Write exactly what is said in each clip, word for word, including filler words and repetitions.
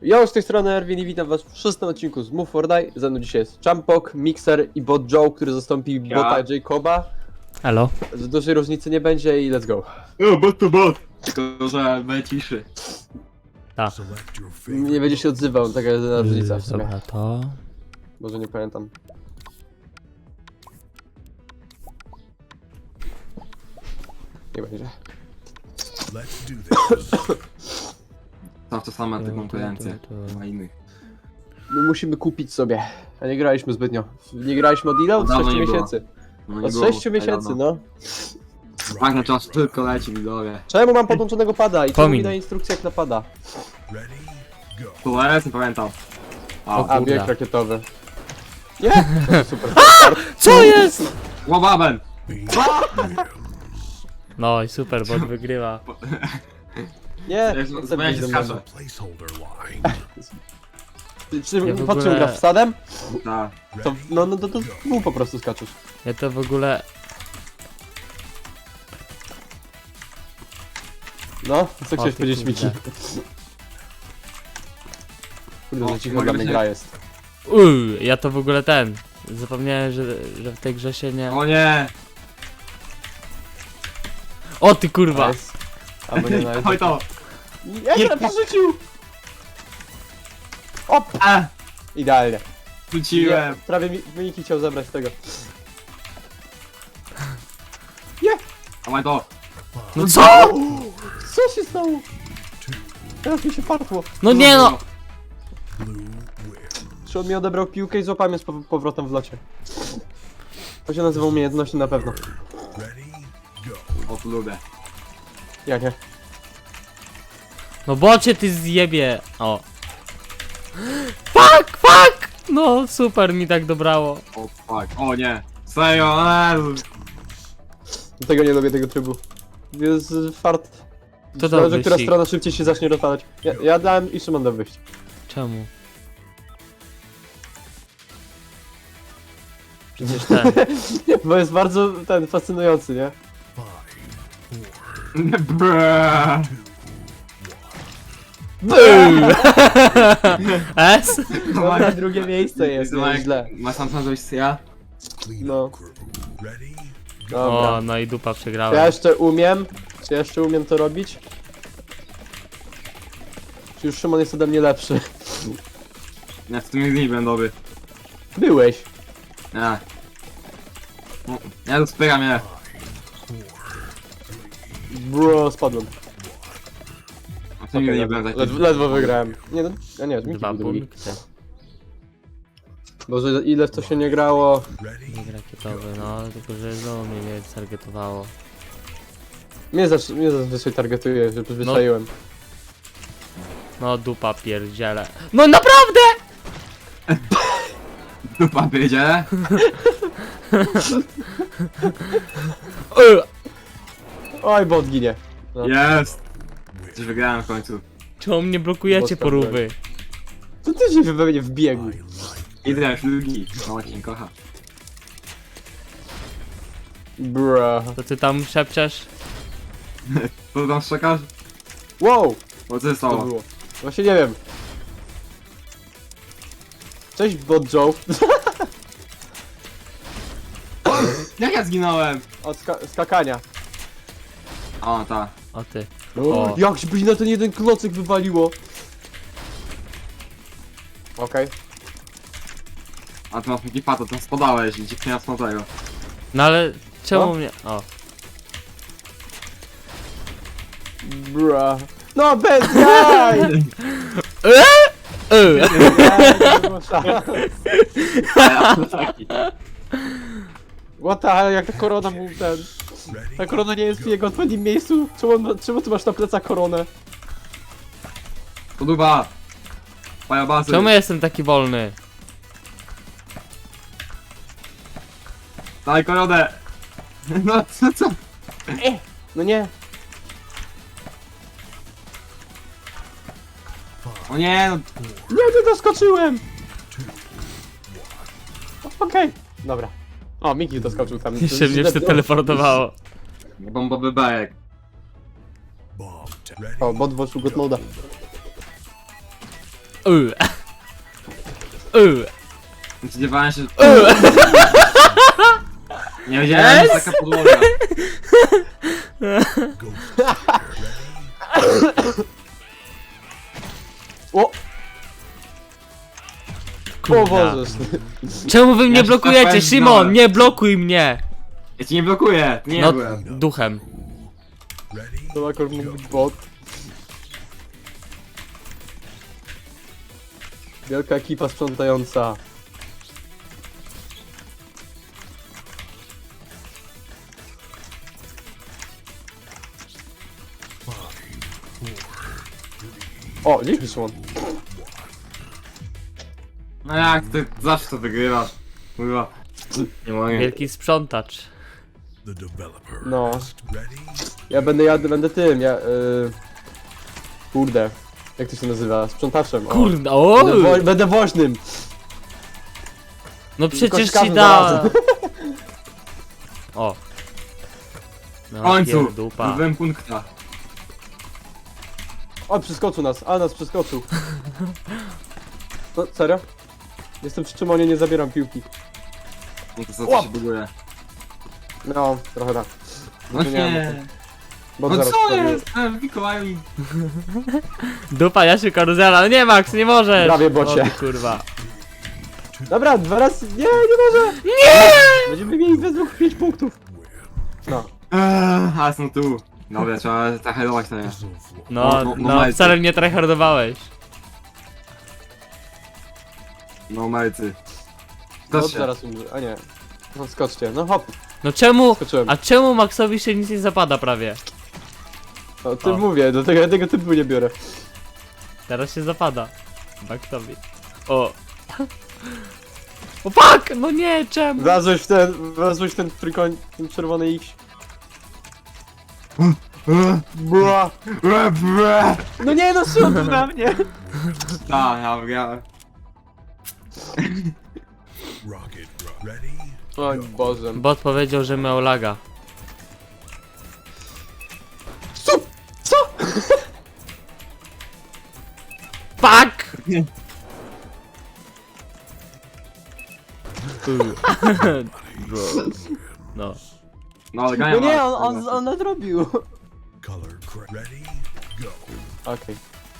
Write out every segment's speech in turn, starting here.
Ja z tej strony Erwin i witam was w szóstym odcinku z Move for Die. Ze mną dzisiaj jest Champok, Mixer i Bot Joe, który zastąpi Ja. bota Jacoba. Halo? Z dużej różnicy nie będzie i let's go. No, bot to bot. Tylko, że będzie ciszy. Tak. Nie będzie się odzywał, taka jedyna różnica w sumie. Dobra, to... Może nie pamiętam. Nie będzie. To to same te konkurencje. Tu, tu, tu. Na innych. My musimy kupić sobie. A nie graliśmy zbytnio. Nie graliśmy od ile? Od Dawno sześciu nie było. miesięcy. No, nie Od było sześciu miesięcy, no. Tak na czas tylko leci widzowie. Czemu mam podłączonego pada i czemu mi Pomin. daje instrukcję jak napada? Tu jest, nie pamiętam. O A, kur- A, Kurde. bieg rakietowy. Nie! To super. Co jest?! łobaben! No i super, bot wygrywa. Nie! Ja nie się- chcę ja być się do skaczę. mnie. Czy, czy Ja w po czym ogóle- grasz? Wsadem? Tak. To, no, no to, to mu po prostu skaczesz. Ja to w ogóle... No, co chciałeś ty powiedzieć, kurde. Miki? Kurde, O, że cicho mogę dla mnie być- gra jest. Uuu, ja to w ogóle ten... Zapomniałem, że, że w tej grze się nie... O nie! O ty kurwa! Nice. Albo nie na Oj to! Jak na przerzucił! Op! A! Idealnie. Wróciłem! Nie, prawie mi, Miki chciał zabrać tego. A maj to! No co?! Co się stało? Teraz mi się partło. No nie no! Czy on mi odebrał piłkę i złapałem je z pow- powrotem w locie. To się nazywa umiejętności na pewno. O tu lubię. Ja nie. No bocie ty zjebie! O. Fuck, fuck! No super mi tak dobrało. O fuck. O nie! Serio, eee. Tego nie lubię, tego trybu. Jest y, fart. To Zależy, dobry która sik. strona szybciej się zacznie rozpadać. Ja, ja dałem i Szymon da wyjść. Czemu? Przecież ten... Bo jest bardzo ten fascynujący, nie? Brrrr. S? No, na drugie miejsce jest, Ma- nie źle. Masz tam zrobić ja? No. Dobra. O, no i dupa Czy ja przegrałem. jeszcze umiem? Czy ja jeszcze umiem to robić? Czy już Szymon jest ode mnie lepszy? Nie, w tym nie będę dobry. Byłeś. Nie. No, ja tu spycham je. Bro, spadłem. A w tym Okej, nie ledwo, będę ledwo, ledwo wygrałem. Nie no, a nie, Miki Dwa był drugi. punkty. Boże, ile w to się nie grało. Nie rakietowy, no, tylko że znowu mnie nie targetowało. Mnie, zaś, mnie zazwyczaj targetuje, że przyzwyczaiłem. No dupa pierdziele. No naprawdę! Dupa wiedzie. Ej, Oj, bot ginie. No. Jest! Coś wygrałem w końcu. czemu mnie blokujecie, Boska porówy? Co ty się we mnie wbiegł? Idę już drugi. Mama cię nie kocha. Bro. To ty tam szepczesz? Co tam szczekasz? Wow! O co się To stało? było. Właśnie nie wiem. Cześć, bot Joe. Jak ja zginąłem? Od ska skakania. O, ta. O ty. O, jak się by na ten jeden klocek wywaliło. Okej. A ty masz taki pato, tam spadałeś i dziwnie jasno tego. No ale czemu O. mnie... O. Bra. No bez jaj! Ej! Jaj, nie było szans. A ja taki. What the hell, jak ta korona był ten... Ta korona nie jest w jego odpowiednim miejscu? Czemu, on- czemu ty masz na plecach koronę? To dupa. Pajabazy. Czemu ja jestem taki wolny? Daj koronę. No co, co? No nie. O nie, no. Nie, nie doskoczyłem! Okej, dobra. O, Miki doskoczył tam. Jeszcze mnie się teleportowało. Bombowy bajek. O, bot włączył God moda. Uy. Uy. Spodziewałem się... Uy. Nie wiedziałem, że taka podłoga. O! O Kurna. Boże. Czemu wy mnie Ja się blokujecie? trafałem Szymon, znowu. nie blokuj mnie! Ja ci nie blokuję, nie No, byłem. duchem. To akurat mógł być bot. Wielka ekipa sprzątająca. O, dzięki Szymon. No jak, ty zawsze to wygrywasz. Kurwa. Nie mogę. Wielki sprzątacz. No. Ja będę, ja będę tym, ja... Y... Kurde. Jak to się nazywa? Sprzątaczem. O. Kurde, o! Będę, wo będę woźnym. No przecież Kośkawym ci da... zarazem. O. W No, końcu, pierdupa. zdobyłem punkta. O, przeskoczył nas, a nas przeskoczył. No, serio? Jestem przy Szymonie, nie zabieram piłki. No to co, Łap. to się buduje. No, trochę tak. No Nie, nie. Bo No zaraz co wstawię. jest? E, Mikołaju mi... Dupa, ja się karuzela. No nie, Max, nie możesz! Prawie bocie. O, ty kurwa. Dobra, dwa razy. Nie, nie może! Nie! Będziemy mieli we dwóch pięć punktów. No. Eee, a są tu. Dobra, trzeba zaherować to nie. No, No, no, no, no, Majcy. wcale mnie tryhardowałeś. No malcy. No Skocz się. zaraz umrze. A nie. No skoczcie, no hop, No czemu... skoczyłem. A czemu Maxowi się nic nie zapada prawie? O tym O. mówię, do tego, tego typu nie biorę. Teraz się zapada. Maxowi. O. O fuck! No nie, czemu? Wlazłeś w ten, wlazłeś w ten trójkąt, ten czerwony X. Bła. Bre, bre. No nie, no Szymon tu na mnie. Tak, ja wygrałem. O Boże. Bot powiedział, że miał laga. Co? Co? Fuck! No. No ale No nie, on, on, on nadrobił. Okej.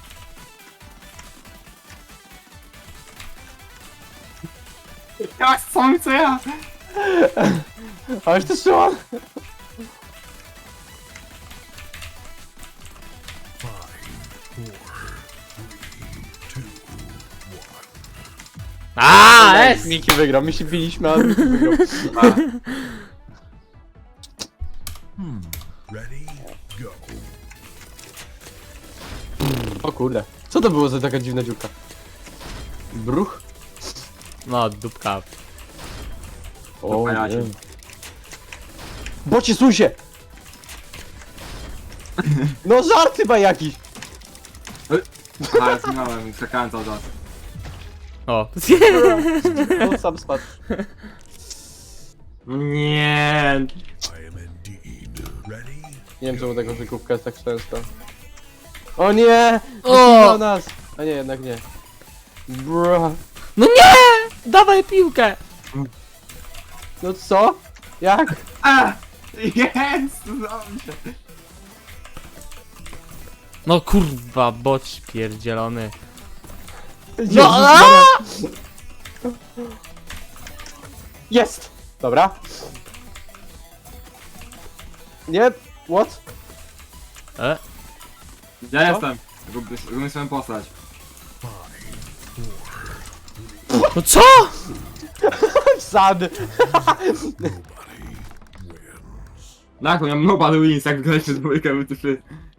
Jak co mi co ja? Ależ to Szymon. A, jest! Miki wygrał, my się biliśmy, ale Miki wygrał. O kurde. Co to było za taka dziwna dziurka? Bruch? No, dupka. O pajacie. nie. Bocie, suń się! No żart chyba jakiś! A, ja zginąłem, skakałem cały czas. O. On sam spadł. Nie. Nie wiem czemu tego wykupka jest tak często. O nie! O! O nas! A nie, jednak nie. Bro. No nie! Dawaj piłkę! No co? Jak? A! Jest! Dobrze. No kurwa, boć pierdzielony. Jezus No, a! Maria. Jest! Dobra. Nie, what? E? Ja jestem. Gubię gubię swoją postać. No co? Sad! Tak, ja nobody wins, jak graliśmy z dwójkę, my tu się...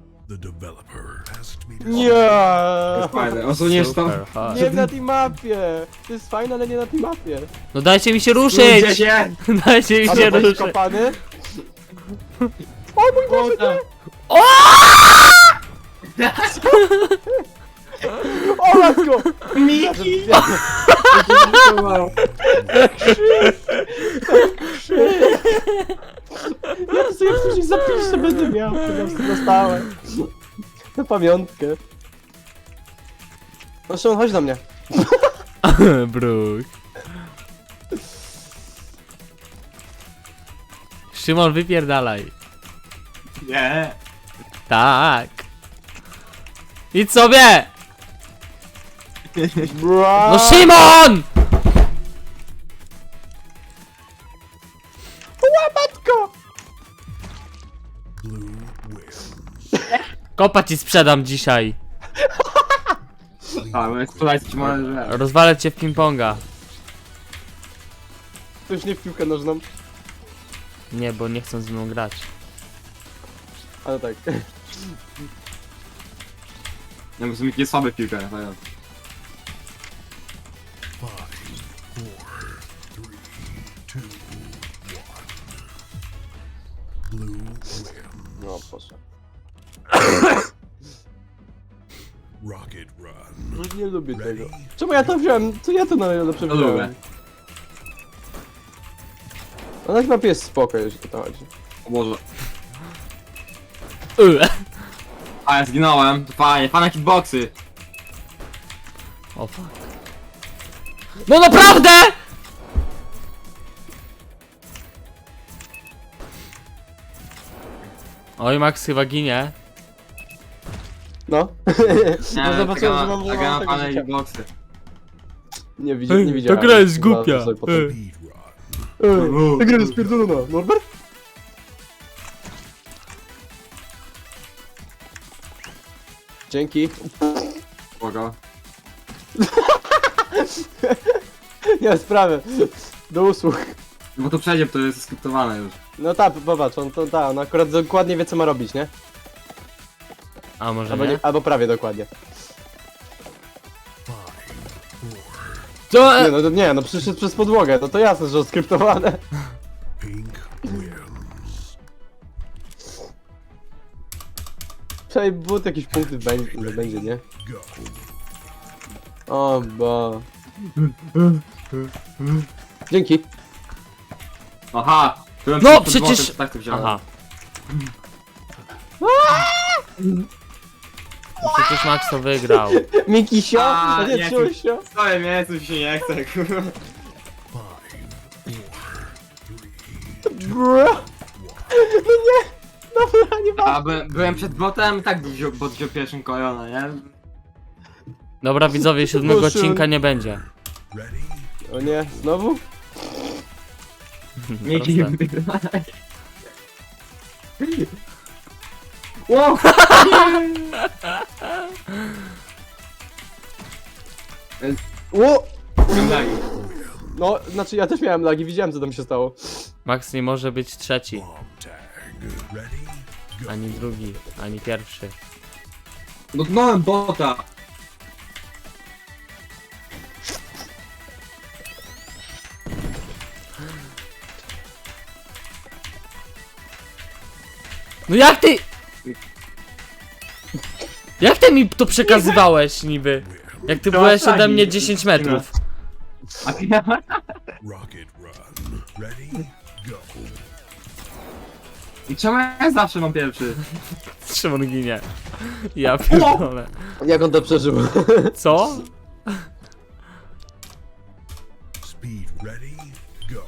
Nie! Jest fajne, osuniesz to? Super, ha. Nie na tej mapie! To jest fajne, ale nie na tej mapie. No dajcie mi się Ludzie ruszyć! się! Dajcie mi A się to ruszyć! kopany? O mój Boże, nie! O matko! Miki! Ja to sobie później zapiszę, będę miał, to dostałem. Na pamiątkę. No Szymon, chodź do mnie. Bruk. Szymon, wypierdalaj. Nie. Tak. Idź sobie! Bra. No Szymon! Łapatko! Kopa ci sprzedam dzisiaj. A, my sprzedajcie ci może. Rozwalę cię w ping-ponga. To już nie w piłkę nożną. Nie, bo nie chcą z mną grać. Ale tak. Nie, bo są jakieś słabe piłki. tak. No, proszę. Rocket Run. Nie lubię tego. Czemu ja to wziąłem? Co ja to najlepsze To lubię. wziąłem? No na mapie jest spoko, jeśli o to chodzi. O Boże. Yy. A, ja zginąłem. To fajnie, fajne hitboxy. O fuck. No naprawdę! Oj, Max chyba ginie. No. Nie, No zobaczyłem, że taka- mam, że taka mam na tego fajne życia. hitboxy. Nie, widzi, nie Ej, widziałem. ta gra jest Zobaczę głupia. sobie potem. Ej. Speedrun. Ej, ta gra jest pierdolona. Norbert? Dzięki. Spoko. Nie ma sprawy. Do usług. Bo to przejdzie, bo to jest skryptowane już. No tak, popatrz, on to ta, on akurat dokładnie wie co ma robić, nie? A może Albo, nie? nie, albo prawie dokładnie. Co? Nie no, to nie, no przyszedł przez podłogę, no to jasne, że skryptowane. Pink wins. Przynajmniej but jakiś punkty będzie, że będzie, nie? Go. O bo. Dzięki. Aha! Byłem No, przed przecież- podwórkiem, Tak to wziąłem. Aha. Przecież Max to wygrał. Mikisio? A, A nie, nie, Ciusio? Stoję miejscu, mi się nie chce, kurwa. Five, four, Bro. No nie! Dobra, nie ma. A by, byłem przed botem i tak wziął, bot wziął pierwszym kojona, nie? Dobra widzowie, siódmego Boże. odcinka nie będzie. ready? O nie, znowu? Miki, Proste. Wow! O! Wyglądali. No, znaczy ja też miałem lagi, widziałem co tam się stało. Max nie może być trzeci, Bomb tag. Ready? Go. ani drugi, ani pierwszy. Dotknąłem bota. No jak ty... Jak ty mi to przekazywałeś niby? Jak ty To byłeś flagi. ode mnie dziesięć metrów. A ty ja... Rocket Run. Ready? Go. I czemu ja zawsze mam pierwszy? Szymon ginie. Ja pierdolę. Jak on to przeżył? Co? Speed ready? Go.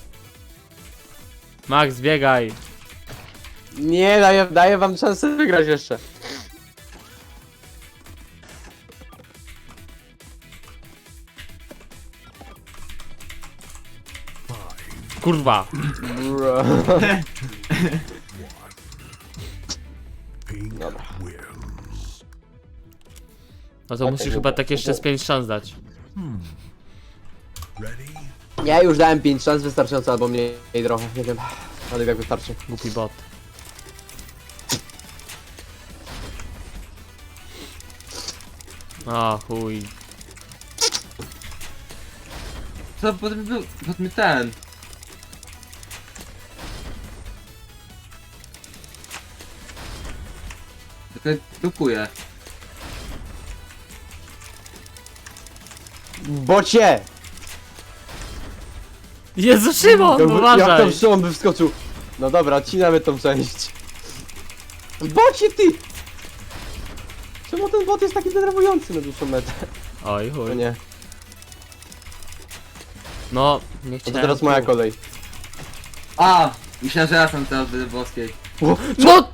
Max, biegaj. Nie, daję, daję wam szansę wygrać jeszcze. Five, Kurwa. Bro. pink Dobra. wins. No to musisz chyba tak jeszcze z pięć szans dać. Ready? Ja już dałem pięć szans wystarczająco, albo mniej trochę, nie wiem. Ale jak wystarczy. Głupi bot. O chuj. Co, potem był... Potem ten... Tylko dukuje. Bocie! Jezu, Szymon, Jak, jak uważaj! tam Szymon by wskoczył. No dobra, odcinamy tą część. Bocie ty! Czemu ten bot jest taki denerwujący na dłuższą metę? Oj, No chuj. nie. No, nie No to chciałem. teraz moja tu. kolej. A! Myślałem, że ja jestem teraz w boskiej. No!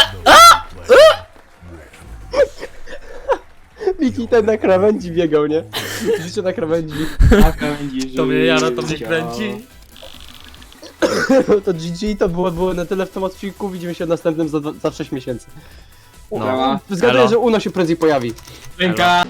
Miki ten na krawędzi biegał, nie? Życie na krawędzi. To mnie jara, to mnie kręci. To G G to było, było na tyle w tym odcinku. Widzimy się w następnym za, za sześć miesięcy. No. Zgaduję, Elo. że Uno się prędzej pojawi. Ręka!